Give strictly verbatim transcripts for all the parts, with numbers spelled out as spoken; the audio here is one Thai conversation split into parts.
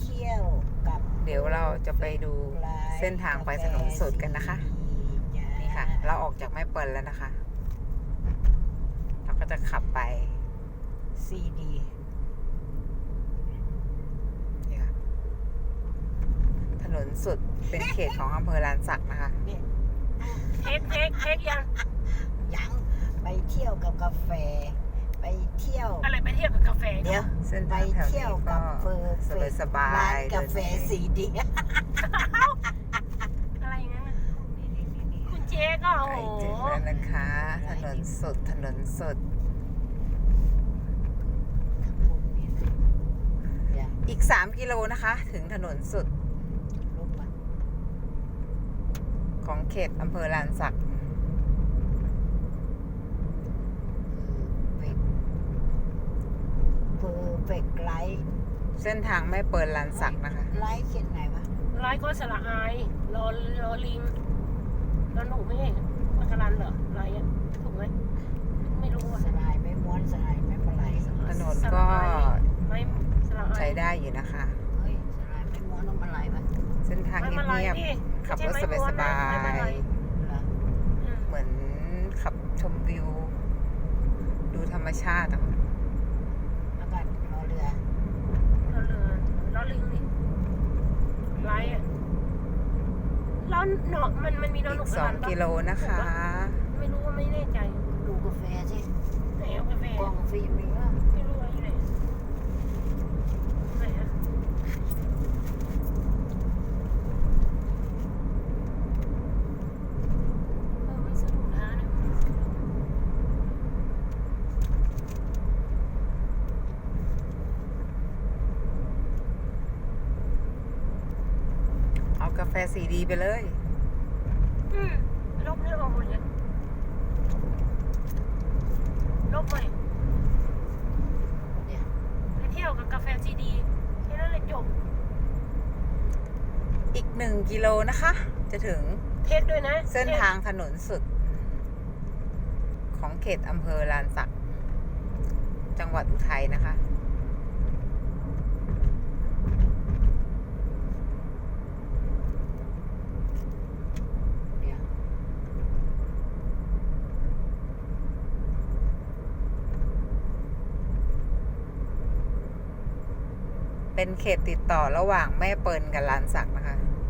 เที่ยวกับเดี๋ยวเราจะไปดูเส้นทางไปถนนสุดกันนะคะนี่ค่ะเราออกจากแม่เปิลแล้วนะคะเราก็จะขับไปซีดีนี่ค่ะถนนสุดเป็นเขตของอำเภอลานสักนะคะเทคเทคเทคยังยังไปเที่ยวกับกาแฟไปเที่ยวอะไรไปเที่ยวกับกาแฟเดี๋ยวเส้นไปทางแถวเที่ยวนี้กัก็บเฟอร์สบายสบาร้านยกาแฟซีดีอะไรอย่างนั้นน่ะคุณเจ๊ก็โอ้ใกล้โหถึงแล้วนะคะ ถนนสุดถนนสุดอีกสามกิโลนะคะ ถึงถนนสุดของเขตอำเภอลานสักเพอร์เฟกต์ไลท์เส้นทางแม่เปิลลานสักนะคะไลท์เขียนไหนวะไลฟ์ก็สระอายรอรอลิงรอหนูไม่ใช่มัคารันเหรอไลฟ์อ่ะถูกไหมไม่รู้อ่ะสลายไม่ม้วนสลายไม่ปลายถนนก็ไม่สระอายใช้ได้อยู่นะคะเฮ้ยสลายไม่ม้วนต้องปลายวะเส้นทางเงียบๆขับรถสบายเหรอๆเหมือนขับชมวิว ดูธรรมชาติอะค่ะแล้วก็รอเรือรอเรือรอลิงนี่ไลฟ์อ่ะแล้วเนาะมันมันมีนอนหอีนุกกสองกิโลนะคะไม่รู้ว่าไม่แน่ใจดูกาแฟสิไหนเอากาแฟกล่องฟิล์มมีว่าไม่รู้ว่าอยู่ไหนไหนอะเออไม่สะดวกนะเนี่ยเอากาแฟสีดีไปเลยอืมลบเนี่ยออกหมดเลยลบใหม่เนี่ยไปเที่ยวกับกาแฟซีดีแค่นั้นเลยจบอีกหนึ่งกิโลนะคะ จะถึงเทสด้วยนะเส้นทางถนนสุด ของเขตอำเภอลานสัก จังหวัดอุทัยนะคะเนี่ยเป็นเขตติดต่อระหว่างแม่เปิลกับลานสักนะคะ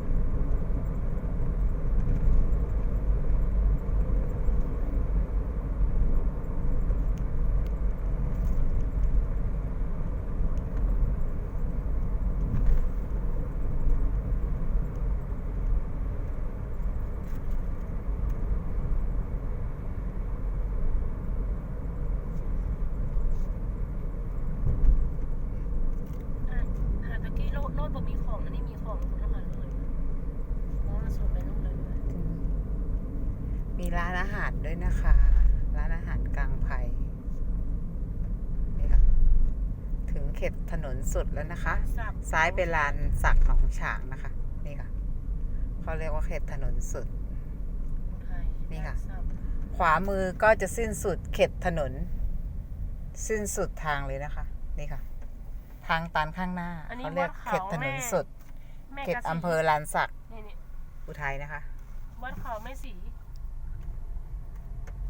อ่ะหาตะกี้โลดโลดบ่มีของอันนี้มีของคนละหันเลยเพราะว่ามันสูดไปนู่นเลยด้วยมีร้านอาหารด้วยนะคะ ร้านอาหารกลางไผ่นี่ค่ะ ถึงเขตถนนสุดแล้วนะคะสับซ้ายเป็นลานสักหนองฉางนะคะ นี่ค่ะ เขาเรียกว่าเขตถนนสุดอุทัยนี่ค่ะสับขวามือก็จะสิ้นสุดเขตถนน สิ้นสุดทางเลยนะคะ นี่ค่ะ ทางตันข้างหน้าอันนี้เขาเรียกเขตถนนสุดแม่เขตกระสีอำเภอลานสักนี่นี่อุทัยนะคะวัดเขาแม่สี